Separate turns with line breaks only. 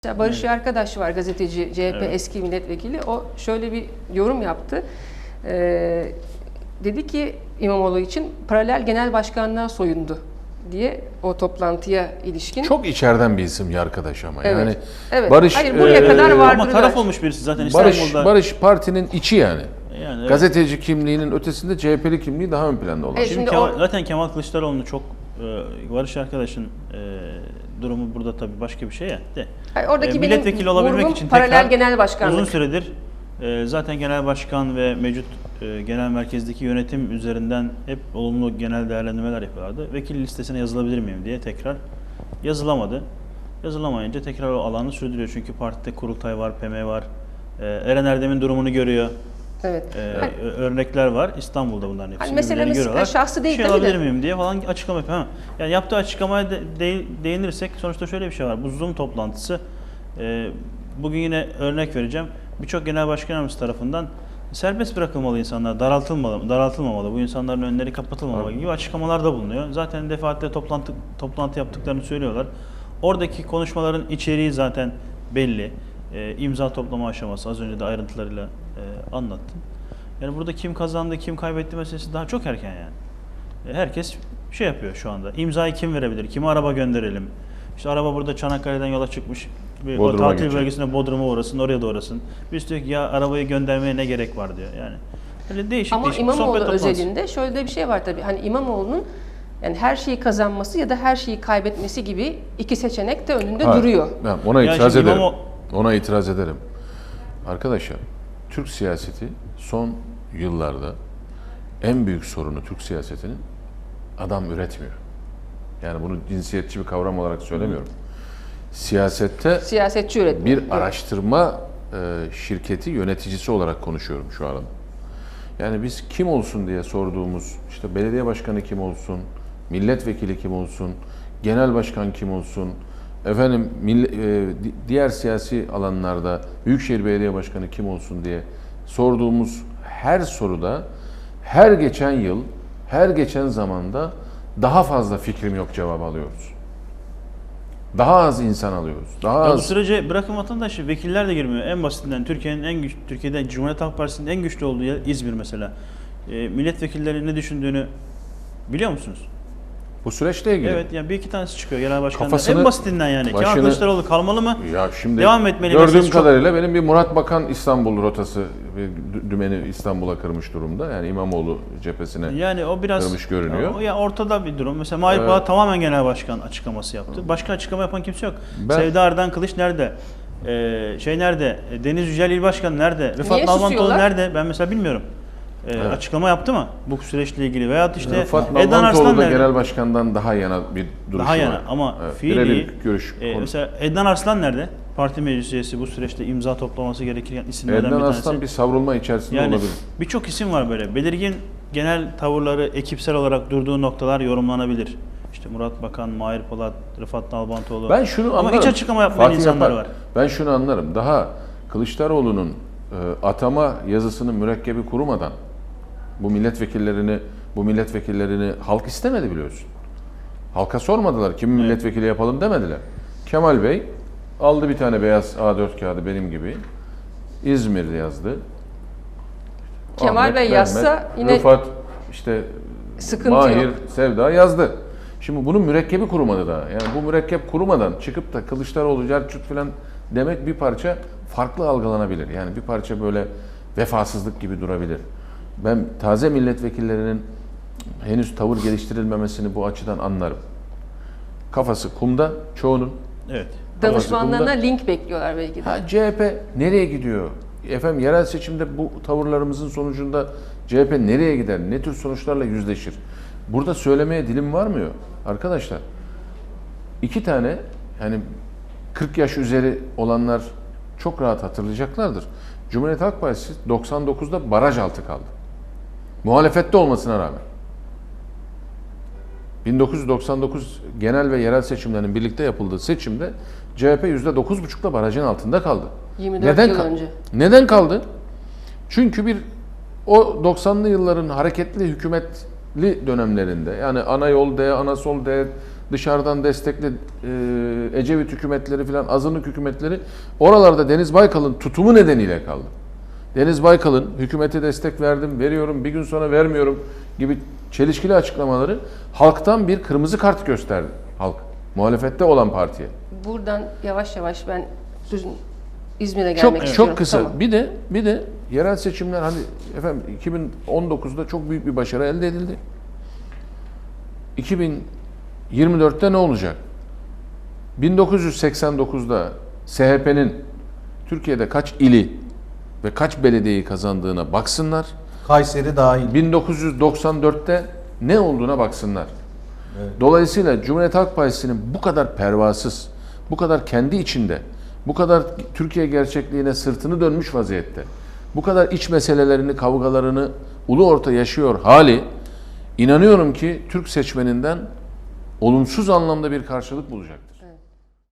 Barış Arkadaş var, gazeteci, CHP eski milletvekili. O şöyle bir yorum yaptı. Dedi ki İmamoğlu için paralel genel başkanlığa soyundu diye o toplantıya ilişkin.
Çok içeriden bir isim ya arkadaş ama.
Evet.
Yani
Evet.
Barış
Hayır, buraya kadar vardır.
Ama taraf olmuş birisi zaten İstanbul'da.
Barış partinin içi yani.
Evet.
Gazeteci kimliğinin ötesinde CHP'li kimliği daha ön planda olan.
Evet.
Şimdi
Şimdi
zaten Kemal Kılıçdaroğlu'nun çok Barış arkadaşın durumu burada tabii başka bir şey ya.
Hayır, oradaki
milletvekili olabilmek için
paralel genel başkanlık.
uzun süredir zaten genel başkan ve mevcut genel merkezdeki yönetim üzerinden hep olumlu genel değerlendirmeler yapıyorlardı. Vekil listesine yazılabilir miyim diye tekrar yazılamadı. Yazılamayınca tekrar o alanı sürdürüyor. Çünkü partide kurultay var, PM var. Eren Erdem'in durumunu görüyor.
Evet.
Örnekler var. İstanbul'da bunların hepsini
meselemiz
görüyorlar.
şahsı değil
şey
tabii de.
alabilir miyim diye falan açıklama yapıyor. Ha. Yani yaptığı açıklamaya değinirsek sonuçta şöyle bir şey var. Bu Zoom toplantısı bugün yine örnek vereceğim. Birçok genel başkan yardımcısı tarafından serbest bırakılmalı insanlar, daraltılmamalı, bu insanların önleri kapatılmamalı gibi açıklamalarda bulunuyor. Zaten defaatle toplantı yaptıklarını söylüyorlar. Oradaki konuşmaların içeriği zaten belli. İmza toplama aşaması az önce de ayrıntılarıyla anlattım. Yani burada kim kazandı, kim kaybetti meselesi daha çok erken yani. Herkes şey yapıyor şu anda. İmzayı kim verebilir? Kime araba gönderelim? İşte araba burada Çanakkale'den yola çıkmış. O tatil bölgesine Bodrum'a uğrasın, oraya da uğrasın. Biz diyor ki ya arabayı göndermeye ne gerek var diyor. Yani öyle değişik
Ama
değişik
İmamoğlu
sohbet toplantısı.
özelinde şöyle de bir şey var tabii. Hani İmamoğlu'nun yani her şeyi kazanması ya da her şeyi kaybetmesi gibi iki seçenek de önünde duruyor.
Ben ona
Yani
itiraz
şimdi
ederim. Ona itiraz ederim. Arkadaşlar, Türk siyaseti son yıllarda en büyük sorunu Türk siyasetinin adam üretmiyor. Yani bunu cinsiyetçi bir kavram olarak söylemiyorum. Siyasette
Siyasetçi üretmiyor.
bir araştırma şirketi yöneticisi olarak konuşuyorum şu an. Yani biz kim olsun diye sorduğumuz, işte belediye başkanı kim olsun, milletvekili kim olsun, genel başkan kim olsun, efendim diğer siyasi alanlarda büyükşehir belediye başkanı kim olsun diye sorduğumuz her soruda her geçen yıl, her geçen zamanda daha fazla fikrim yok cevabı alıyoruz. Daha az insan alıyoruz. Daha
Ya bu
az.
sürece bırakın vatandaşı, vekiller de girmiyor. En basitinden Türkiye'de Cumhuriyet Halk Partisi'nin en güçlü olduğu yer İzmir mesela. Milletvekilleri ne düşündüğünü biliyor musunuz?
Bu süreçle ilgili.
Evet, yani bir iki tanesi çıkıyor genel başkanlar.
Kafasını,
En basitinden yani. Kemal Kılıçdaroğlu kalmalı mı?
Ya şimdi
devam etmeli.
gördüğüm kadarıyla benim bir Murat Bakan İstanbul rotası, bir dümeni İstanbul'a kırmış durumda. Yani İmamoğlu cephesine
yani o biraz
kırmış görünüyor.
Ya ortada bir durum. Mesela Mahir Polat tamamen genel başkan açıklaması yaptı. Başka açıklama yapan kimse yok. Sevda Ardan Kılıç nerede? Nerede? Deniz Yücel İl Başkanı nerede? Rıfat Nalbantoğlu nerede? Ben mesela bilmiyorum. Açıklama yaptı mı bu süreçle ilgili? Veyahut işte
Rıfat
Edan Arslan
Nalbantoğlu da
nerede?
genel başkandan daha yana bir duruşu
Daha yana
var.
ama
fiili görüş.
mesela Edan Arslan nerede? Parti meclis üyesi, bu süreçte imza toplaması gereken isimlerden
Edan
bir tanesi.
Arslan bir savrulma içerisinde
Yani
olabilir.
birçok isim var böyle. Belirgin genel tavırları, ekipsel olarak durduğu noktalar yorumlanabilir. İşte Murat Bakan, Mahir Polat, Rıfat Nalbantoğlu.
Ben şunu anlarım.
Ama hiç açıklama yapmayan insanlar var.
Ben şunu anlarım. Daha Kılıçdaroğlu'nun atama yazısının mürekkebi kurumadan bu milletvekillerini halk istemedi biliyorsun. Halka sormadılar. Kimi milletvekili yapalım demediler. Kemal Bey aldı bir tane beyaz A4 kağıdı benim gibi. İzmir yazdı.
Kemal
Ahmet,
Bey
Mehmet,
yazsa yine
Rıfat, işte
sıkıntı
Mahir,
yok.
Sevda yazdı. Şimdi bunun mürekkebi kurumadı daha. Yani bu mürekkep kurumadan çıkıp da Kılıçdaroğlu, Cerçut falan demek bir parça farklı algılanabilir. Yani bir parça böyle vefasızlık gibi durabilir. Ben taze milletvekillerinin henüz tavır geliştirilmemesini bu açıdan anlarım. Kafası kumda çoğunun.
Evet.
Danışmanlarına link bekliyorlar belki de.
CHP nereye gidiyor? Efendim yerel seçimde bu tavırlarımızın sonucunda CHP nereye gider? Ne tür sonuçlarla yüzleşir? Burada söylemeye dilim varmıyor arkadaşlar. İki tane yani 40 yaş üzeri olanlar çok rahat hatırlayacaklardır. Cumhuriyet Halk Partisi 99'da baraj altı kaldı. Muhalefette olmasına rağmen. 1999 genel ve yerel seçimlerinin birlikte yapıldığı seçimde CHP %9,5'la barajın altında kaldı.
24 yıl önce.
Neden kaldı? Çünkü o 90'lı yılların hareketli hükümetli dönemlerinde yani ana yol de, ana sol de, dışarıdan destekli Ecevit hükümetleri filan, azınlık hükümetleri oralarda Deniz Baykal'ın tutumu nedeniyle kaldı. Deniz Baykal'ın hükümete destek verdim, veriyorum, bir gün sonra vermiyorum gibi çelişkili açıklamaları halktan bir kırmızı kart gösterdi halk. Muhalefette olan partiye.
Buradan yavaş yavaş ben sözün İzmir'e gelmek istiyorum.
Çok kısa.
Tamam.
Bir de yerel seçimler hani efendim 2019'da çok büyük bir başarı elde edildi. 2024'te ne olacak? 1989'da SHP'nin Türkiye'de kaç ili ve kaç belediyeyi kazandığına baksınlar.
Kayseri dahil.
1994'te ne olduğuna baksınlar.
Evet.
Dolayısıyla Cumhuriyet Halk Partisi'nin bu kadar pervasız, bu kadar kendi içinde, bu kadar Türkiye gerçekliğine sırtını dönmüş vaziyette, bu kadar iç meselelerini, kavgalarını ulu orta yaşıyor hali, inanıyorum ki Türk seçmeninden olumsuz anlamda bir karşılık bulacaktır.